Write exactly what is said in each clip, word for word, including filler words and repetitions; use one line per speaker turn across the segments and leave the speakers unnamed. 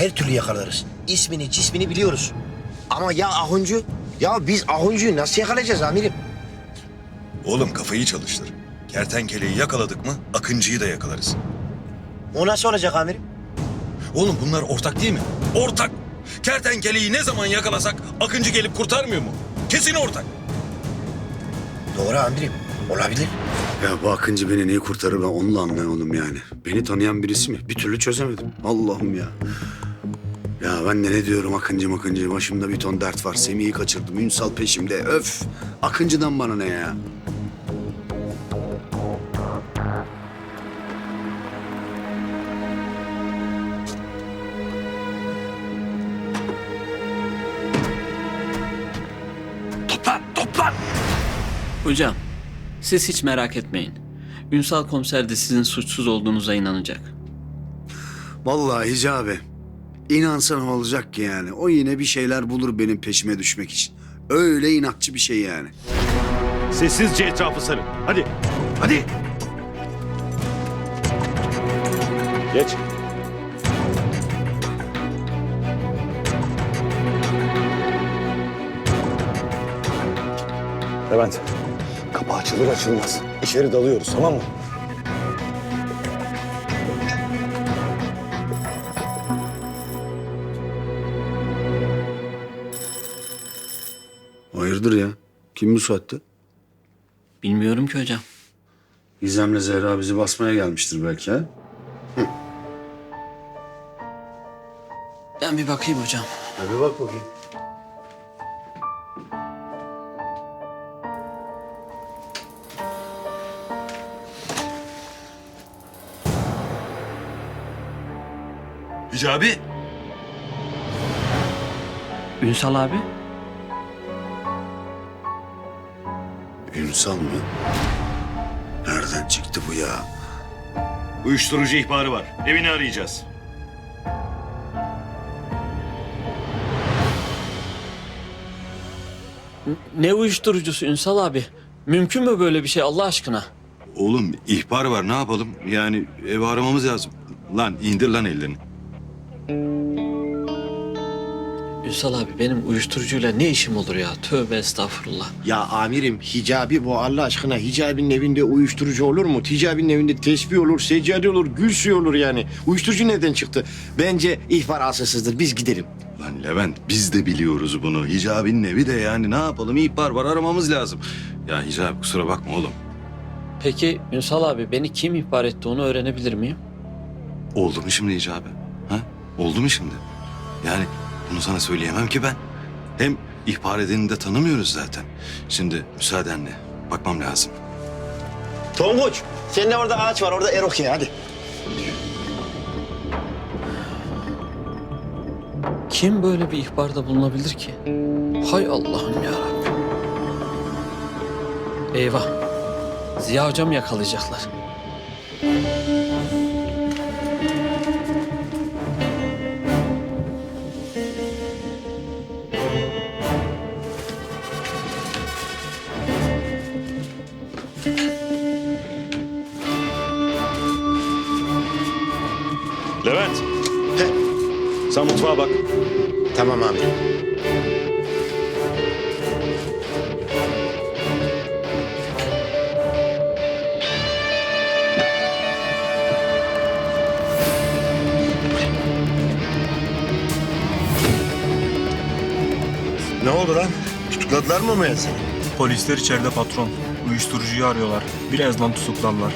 her türlü yakalarız. İsmini, cismini biliyoruz. Ama ya Ahuncu? Ya biz Ahuncu'yu nasıl yakalayacağız amirim?
Oğlum kafayı çalıştır. Kertenkeleyi yakaladık mı Akıncı'yı da yakalarız.
O nasıl olacak amirim?
Oğlum bunlar ortak değil mi? Ortak. Kertenkeleyi ne zaman yakalasak Akıncı gelip kurtarmıyor mu? Kesin ortak.
Doğru amirim. Olabilir.
Ya bu Akıncı beni neyi kurtarır ben onu da anlayamadım yani. Beni tanıyan birisi mi? Bir türlü çözemedim. Allah'ım ya. Ya ben de ne diyorum Akıncı makıncı. Başımda bir ton dert var. Semih'i kaçırdım. Ünsal peşimde. Öf. Akıncı'dan bana ne ya?
Toplan, toplan.
Hocam, siz hiç merak etmeyin. Ünsal komiser de sizin suçsuz olduğunuza inanacak.
Vallahi Hicabi. İnansa ne olacak ki yani? O yine bir şeyler bulur benim peşime düşmek için. Öyle inatçı bir şey yani.
Sessizce etrafı sarın. Hadi. Hadi. Geç. Levent. Kapı açılır açılmaz. İçeri dalıyoruz, tamam mı?
Hayırdır ya? Kim bu saatte?
Bilmiyorum ki hocam.
Gizem'le Zehra bizi basmaya gelmiştir belki ha?
Ben bir bakayım hocam.
Hadi bak bakayım.
Hicabi.
Ünsal abi?
Ünsal mı? Nereden çıktı bu ya?
Uyuşturucu ihbarı var. Evini arayacağız.
Ne uyuşturucusu Ünsal abi? Mümkün mü böyle bir şey Allah aşkına?
Oğlum ihbar var ne yapalım? Yani evi aramamız lazım. Lan indir lan ellerini.
Ünsal abi benim uyuşturucuyla ne işim olur ya? Tövbe estağfurullah.
Ya amirim Hicabi bu Allah aşkına. Hicabi'nin evinde uyuşturucu olur mu? Hicabi'nin evinde tesbih olur, seccade olur, gül suyu olur yani. Uyuşturucu nereden çıktı? Bence ihbar asılsızdır. Biz gidelim.
Lan Levent biz de biliyoruz bunu. Hicabi'nin evi de yani ne yapalım ihbar var aramamız lazım. Ya Hicabi kusura bakma oğlum.
Peki Ünsal abi beni kim ihbar etti onu öğrenebilir miyim?
Oldu mu şimdi Hicabi? Ha? Oldu mu şimdi? Yani bunu sana söyleyemem ki ben. Hem ihbar edeni de tanımıyoruz zaten. Şimdi müsaadenle bakmam lazım.
Tonguç, senin de orada ağaç var. Orada eroke hadi.
Kim böyle bir ihbarda bulunabilir ki? Hay Allah'ım yarabbim. Eyvah. Ziya hocam yakalayacaklar.
Levent.
Heh,
Sen mutfağa bak.
tamam amirim. Ne oldu lan? Tutukladılar mı Maya seni?
Polisler içeride patron. Uyuşturucuyu arıyorlar. Birazdan tutuklarlar.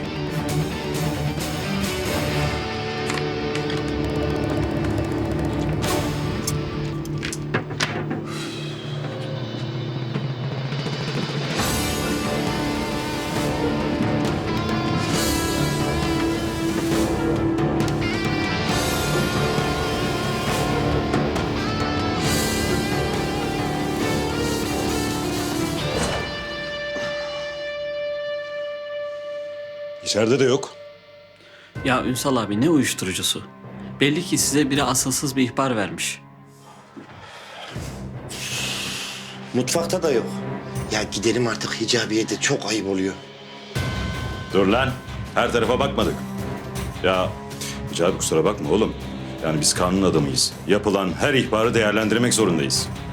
İçeride de yok.
Ya Ünsal abi ne uyuşturucusu? Belli ki size biri asılsız bir ihbar vermiş.
Mutfakta da yok. Ya gidelim artık Hicabi'ye de çok ayıp oluyor.
Dur lan. Her tarafa bakmadık. Ya Hicabi kusura bakma oğlum.
Yani biz kanun adamıyız. Yapılan her ihbarı değerlendirmek zorundayız.